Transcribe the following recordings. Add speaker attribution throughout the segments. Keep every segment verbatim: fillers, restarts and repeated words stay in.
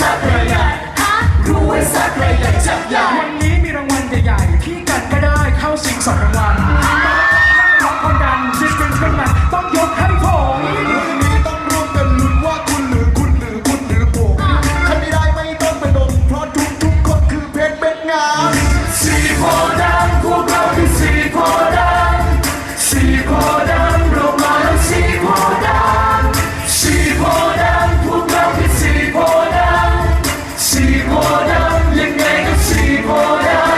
Speaker 1: สักระยะรู้ไว้สักระยะจับใหญ่วันนี้มีรางวัลใหญ่ๆพี่กันก็ได้เข้าชิงสองรางวัลร้องคนดังซิสเต็มเป็นมันต้องยกให้ผมวันนี้ต้องร่วมกันลุ้นว่าคุณหรือคุณหรือคุณหรือผมใครไม่ได้ไม่ต้องไปดมเพราะทุกทุกคนคือเพชรเป็นงามสีโพธิ์ดำพวกเราคือสีโพธิ์ดำสีโพธิ์ดำเรามาแล้วสีโพธิ์ดำสีโพธิ์ดำพวกเราคือสีโพธิ์ดำสีโพธิ์ดำยังไงก็สีโพธิ์ดำ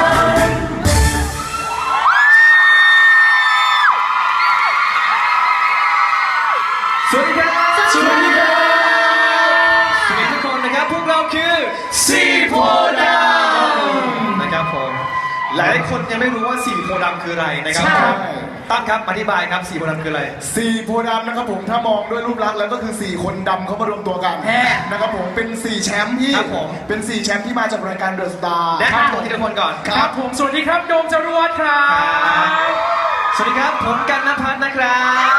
Speaker 1: สวัสดีครับสวัสดีครับสวัสดีทุกคนนะครับพวกเราคือสีโพธิ์ดำนะครับผมหลายคนยังไม่รู้ว่าสีโพธิ์ดำคืออะไรนะครับตั้งครับอธิบายครับสีโพธิ์ดำคืออะไร
Speaker 2: สีโพธิ์ดำนะครับผมถ้ามองด้วยรูปลักษณ์แล้วก็คือสี่คนดำเขามารวมตัวกันนะครับผมเป็นสี่แชมป์ที่เป็นสี่แชมป์ที่มาจากรายการเดอะสตาร์
Speaker 1: แนะนำตัวทีละคนก่อนครับผมสวัสดีครับโดมจรวดครับสวัสดีครับผมกันณภัทรนะครับ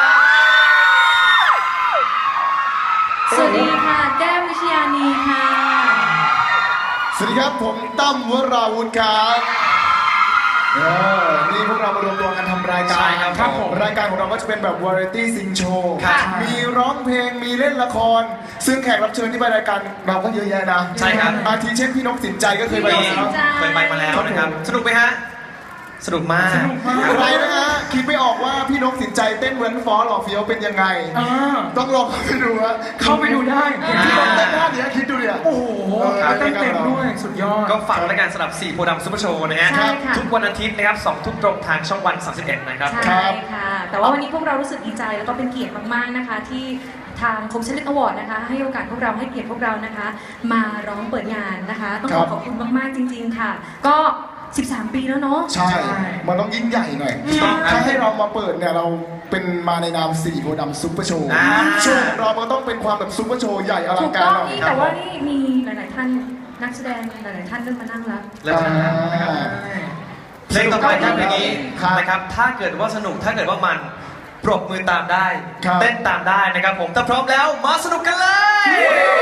Speaker 3: สวัสดีค่ะแก้มวิชยานีค่ะ
Speaker 2: สวัสดีครับผมตั้มวราวุธครับเออนี่พวกเรามารวมตัวกันทำรายการ
Speaker 1: ครับผม
Speaker 2: รายการของเราก็จะเป็นแบบวาไรตี้ซิงโชว์มีร้องเพลงมีเล่นละครซึ่งแขกรับเชิญที่ไปรายการเราก็เยอะแยะนะ
Speaker 1: ใช่ครับ
Speaker 2: อาทิเช่นพี่นกสินใจก็เคยไปมาแล้ว
Speaker 1: เคยไปมาแล้วนะครับสนุกไหมฮะสนุกมาก
Speaker 2: อะไรนะฮะคิดไม่ออกว่าพี่นกสินใจเต้นเว้นฟอสหล่อเฟี้ยวเป็นยังไงต้องลองเข้าไปดูฮะ
Speaker 1: เข้าไปดูได้
Speaker 2: พี่นกเต้นท่านี้คิดดูเนี่ย
Speaker 1: โอ้โหเต้นเต็มด้วยสุดยอดก็ฝากรายการสำหรับสีโพธิ์ดำซุปเปอร์โชว์นะฮะทุกวันอาทิตย์นะครับสองทุ่มตรงทางช่องวันสามสิบเอ็ดนะครับ
Speaker 3: ใช่ค่ะแต่ว่าวันนี้พวกเรารู้สึกดีใจแล้วก็เป็นเกียรติมากๆนะคะที่ทางคมชันลิตอวอร์ดนะคะให้โอกาสพวกเราให้เกียรติพวกเรานะคะมาร้องเปิดงานนะคะต้องขอขอบคุณมากๆจริงๆค่ะก็สิบสามปีแล้วเนาะ
Speaker 2: ใช่มันต้องยิ่งใหญ่หน่อยถ้าให้เรามาเปิดเนี่ยเราเป็นมาในนามสีโพธิ์ดำซุปเปอร์โชว์โชว์ของเรามันต้องเป็นความแบบซุปเปอร์โชว์ใหญ่อลังการหน่อย
Speaker 3: แต่ว่านี่มีหลายๆท่านนักแสดงหลายๆท่านเริ่มมานั่งแล้ว
Speaker 1: แล้วนะครับเพลงต่อไปครับเพลงนี้นะครับถ้าเกิดว่าสนุกถ้าเกิดว่ามันปรบมือตามได้เต้นตามได้นะครับผมถ้าพร้อมแล้วมาสนุกกันเลย